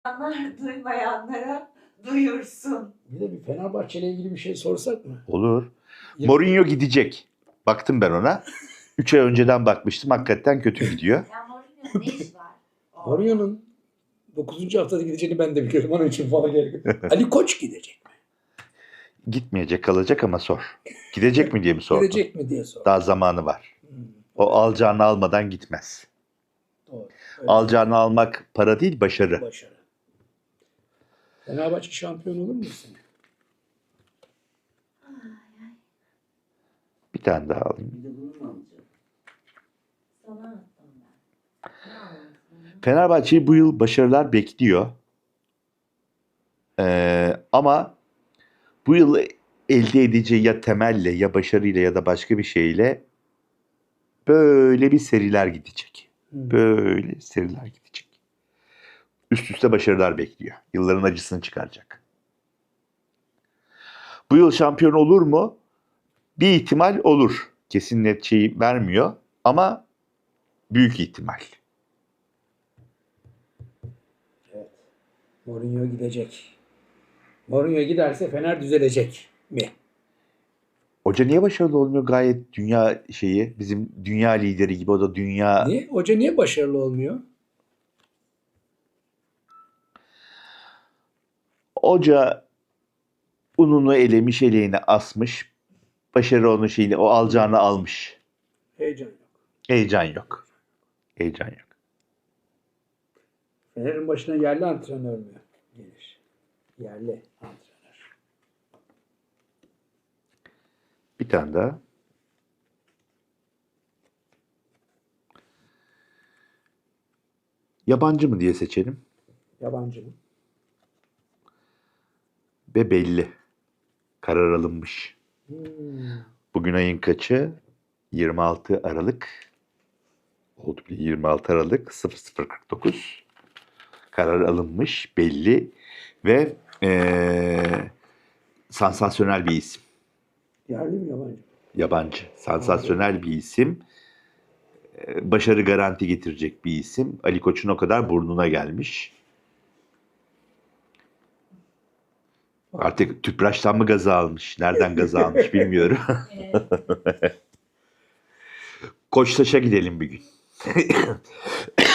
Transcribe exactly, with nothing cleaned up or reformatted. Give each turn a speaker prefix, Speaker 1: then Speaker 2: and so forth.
Speaker 1: Duyanlar duymayanlara duyursun.
Speaker 2: Bir de bir Fenerbahçe ile ilgili bir şey sorsak mı?
Speaker 3: Olur.
Speaker 2: Ya-
Speaker 3: Mourinho gidecek. Baktım ben ona. Üç ay önceden bakmıştım. Hakikaten kötü gidiyor.
Speaker 1: Ya Mourinho'nun ne iş var?
Speaker 2: Mourinho'nun dokuzuncu haftada gideceğini ben de biliyorum. Onun için falan gerek yok. Ali Koç gidecek mi?
Speaker 3: Gitmeyecek, kalacak ama sor. Gidecek mi diye mi sordun?
Speaker 2: Gidecek mi diye sor.
Speaker 3: Daha zamanı var.
Speaker 2: Hmm,
Speaker 3: O alacağını almadan gitmez.
Speaker 2: doğru. Öyle
Speaker 3: Alacağını almak para değil, başarı.
Speaker 2: başarı. Fenerbahçe şampiyon olur mu bu sene?
Speaker 3: Bir tane daha alayım.
Speaker 4: Bir de bunu mu alacağım?
Speaker 1: Sana attım ben. Ne anlatayım?
Speaker 3: Fenerbahçe'yi bu yıl başarılar bekliyor. Ee, ama bu yıl elde edeceği ya temelle ya başarıyla ya da başka bir şeyle böyle bir seriler gidecek.
Speaker 2: Hmm.
Speaker 3: Böyle seriler gidecek. Üst üste başarılar bekliyor. Yılların acısını çıkaracak. Bu yıl şampiyon olur mu? Bir ihtimal olur. Kesin net şeyi vermiyor ama büyük ihtimal.
Speaker 2: Evet. Mourinho gidecek. Mourinho giderse Fener düzelecek mi?
Speaker 3: Hoca niye başarılı olmuyor? Gayet dünya şeyi, bizim dünya lideri gibi, o da dünya.
Speaker 2: Niye? Hoca niye başarılı olmuyor?
Speaker 3: Hoca ununu elemiş, eleğine asmış. Başarı onun şeyini, o alacağını almış.
Speaker 2: Heyecan yok.
Speaker 3: Heyecan yok. Heyecan yok.
Speaker 2: Fener'in başına yerli antrenör mü gelir? Yerli antrenör.
Speaker 3: Bir tane daha. Yabancı mı diye seçelim.
Speaker 2: Yabancı mı?
Speaker 3: Ve belli. Karar alınmış.
Speaker 2: Hmm.
Speaker 3: Bugün ayın kaçı? yirmi altı Aralık. Oldu bile yirmi altı Aralık sıfır sıfır kırk dokuz. Karar alınmış, belli ve ee, sansasyonel bir isim.
Speaker 2: Yerli mi yabancı mı?
Speaker 3: Yabancı. Sansasyonel bir isim. Ee, başarı garanti getirecek bir isim. Ali Koç'un o kadar burnuna gelmiş. Artık tüpraştan mı gazı almış? Nereden gazı almış bilmiyorum.
Speaker 1: Evet.
Speaker 3: Koçtaş'a gidelim bir gün.